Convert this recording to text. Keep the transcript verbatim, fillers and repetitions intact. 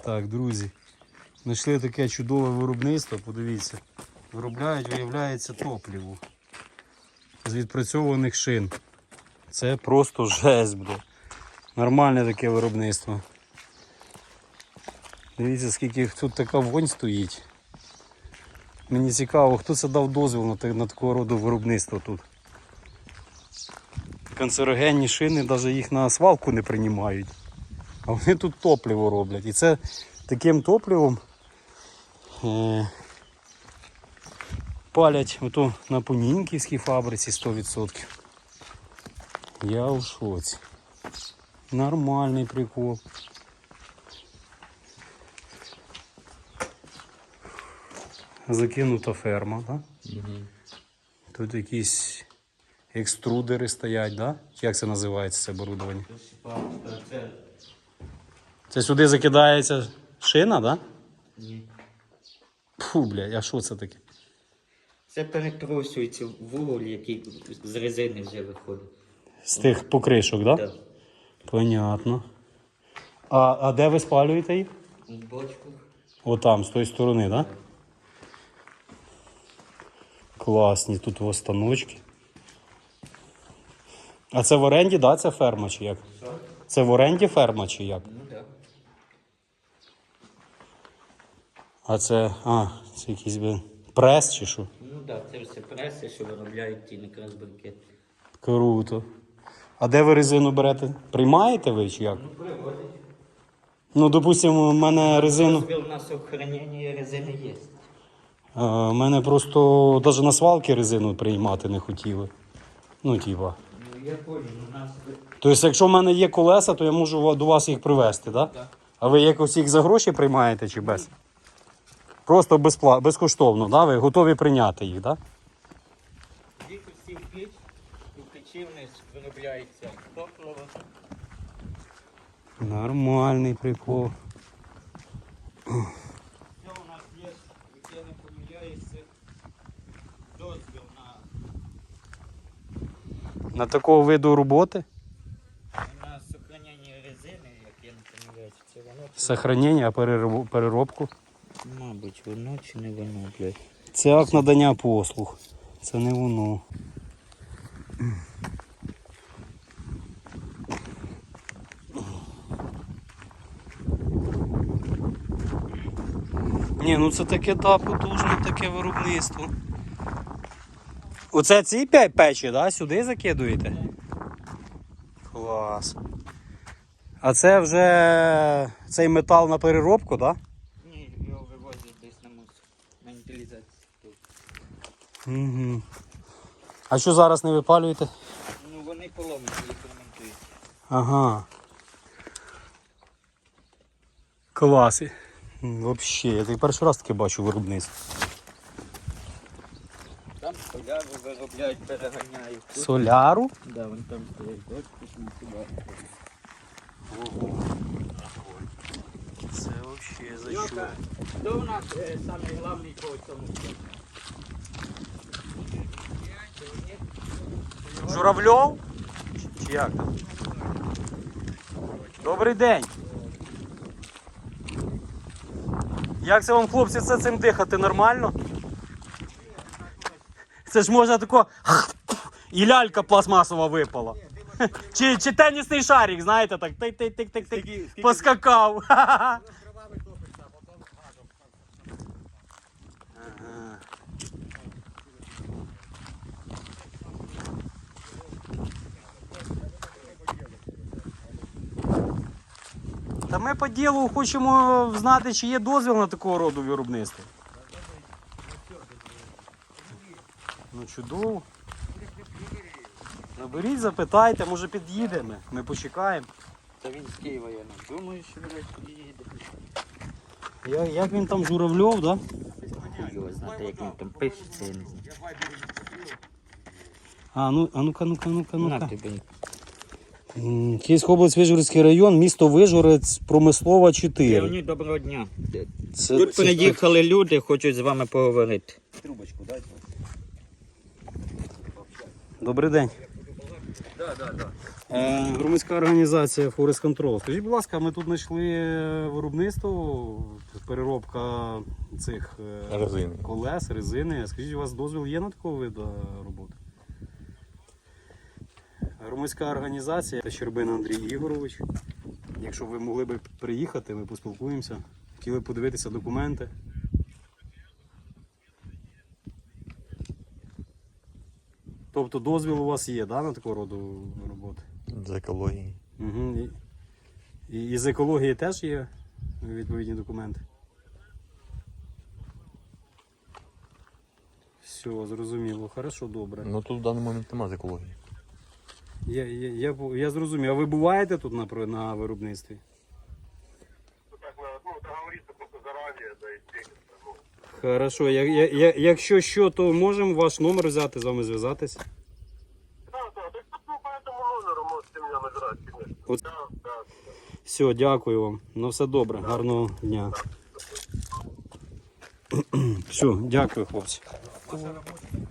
Так, друзі, знайшли таке чудове виробництво, подивіться. Виробляють, виявляється, топливо з відпрацьованих шин. Це просто жесть, бля. Нормальне таке виробництво. Дивіться, скільки тут така вонь стоїть. Мені цікаво, хто це дав дозвіл на, на такого роду виробництво тут. Канцерогенні шини, навіть їх на свалку не приймають. А вони тут топливо роблять. І це таким топливом е, палять ото на Понінківській фабриці сто відсотків. Я у шоці. Нормальний прикол. Закинута ферма, так? Угу. Тут якісь екструдери стоять, да? Як це називається, це оборудовання? Це, це сюди закидається шина, так? Да? Ні. Фу, блядь, а що це таке? Це перетрощується вуголь, який з резини вже виходить. З тих покришок, так? Да? Так. Понятно. А, а де ви спалюєте їх? В бочку. Отам, з тої сторони, так? Да? Класні тут останочки. А це в оренді, да, це ферма чи як? Що? Це в оренді ферма чи як? Ну так. А це, а, це якийсь би прес чи що? Ну так, це все преси, що виробляють ті некрасбанкети. Круто. А де ви резину берете? Приймаєте ви чи як? Ну, привозять. Ну, допустимо, в мене резину... Дозвіл на сохранення резини є. У мене просто навіть на свалки резину приймати не хотіли. Ну, типа. Ну, я понял, у нас... Тобто, якщо в мене є колеса, то я можу до вас їх привезти, так? Так. А ви якось їх за гроші приймаєте чи без? Просто безпла... безкоштовно, да? Ви готові прийняти їх, так? Їх усі в піч, у печі в них виробляється топливо. Нормальний прикол. Що у нас є, як я не помиляюся, дозвіл на, На такого виду роботи? на сохранення резини, як я не помиляюся, це воно. Сохранення, а перероб- переробку? Мабуть, воно чи не воно, блядь. Це акт надання послуг. Це не воно. Ні, ну це таке, да, потужне таке виробництво. Оце ці п'ять печі, да? Сюди закидуєте? Клас. А це вже цей метал на переробку, так? Да? Ні, його вивозять десь на мусор, на утилізацію. Угу. А що зараз не випалюєте? Ну вони поломані, їх ремонтують. Ага. Клас. Взагалі, я так перший раз таке бачу виробництво. Там соляру виробляють, переганяють. Тут- Соляру? Да, вон там стоять дочки, на сюди. Ого. Це взагалі за що? Йока, хто у нас е, самий головний по цьому? Журавльов? Чи як там? Добрий день. Як це вам, хлопці, це цим дихати нормально? Це ж можна тако і лялька пластмасова випала. Чи, чи тенісний шарик, знаєте, так тик-тик-тик-тик-тик, поскакав. Ага. Та ми по ділу хочемо знати, чи є дозвіл на такого роду виробництво. Ну чудово. Наберіть, запитайте, може під'їдемо. Ми почекаємо. Та він з Києва, я не думаю, що він під'їде. Як, як він там Журавльов, да? Його знати, як він там пишеться, я не знаю. А, ну, а ну-ка, ну-ка, ну-ка, На ну-ка. тобі. М, Київська область, Вишгородський район, місто Вишгород, Промислова чотири. Леонід, доброго дня. Це, Тут це приїхали люди, хочуть з вами поговорити. Добрий день. Да, да, да. Е, громадська організація Forest Control. Скажіть, будь ласка, ми тут знайшли виробництво, переробка цих е, Резини. колес, резини. Скажіть, у вас дозвіл є на такого виду роботи? Громадська організація та Щербина Андрій Ігорович. Якщо ви могли б приїхати, ми поспілкуємося. Хотіли б подивитися документи. Тобто дозвіл у вас є, да, на такого роду роботи? З екології. Угу. І, і з екології теж є відповідні документи? Все, зрозуміло. Хорошо, добре. Ну тут в даний момент немає з екології. Я, я, я, бу- я зрозумів. А ви буваєте тут на, про- на виробництві? Так, ну, договориться просто заранее, да и встретиться. Ну, Хорошо. Я, я, я, якщо що, то можемо ваш номер взяти, з вами зв'язатись? да, да, так ну, по этому номеру можете меня набирать, конечно. Вот. Да, да. Все, дякую вам. Ну все добре. Гарного дня. Все, дякую, хлопці. Ваша робота.